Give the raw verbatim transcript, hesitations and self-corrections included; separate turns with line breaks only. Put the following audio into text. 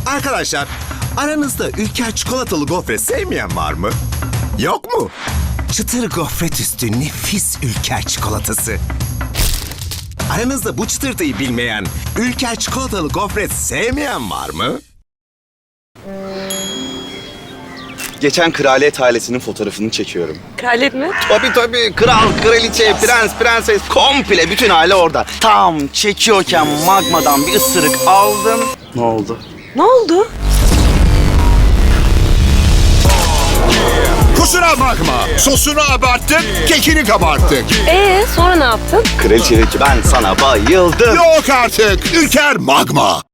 Arkadaşlar, aranızda Ülker çikolatalı gofret sevmeyen var mı? Yok mu? Çıtır gofret üstü nefis Ülker çikolatası. Aranızda bu çıtırtıyı bilmeyen, Ülker çikolatalı gofret sevmeyen var mı?
Geçen kraliyet ailesinin fotoğrafını çekiyorum.
Kraliyet mi?
Tabii tabii. Kral, kraliçe, prens, prenses komple bütün aile orada. Tam çekiyorken magmadan bir ısırık aldım. Ne oldu?
Ne oldu?
Kusura bakma. Sosunu abarttık, kekini kabarttık.
Ee sonra ne yaptın?
Kraliçe dedi ki ben sana bayıldım.
Yok artık. Ülker magma.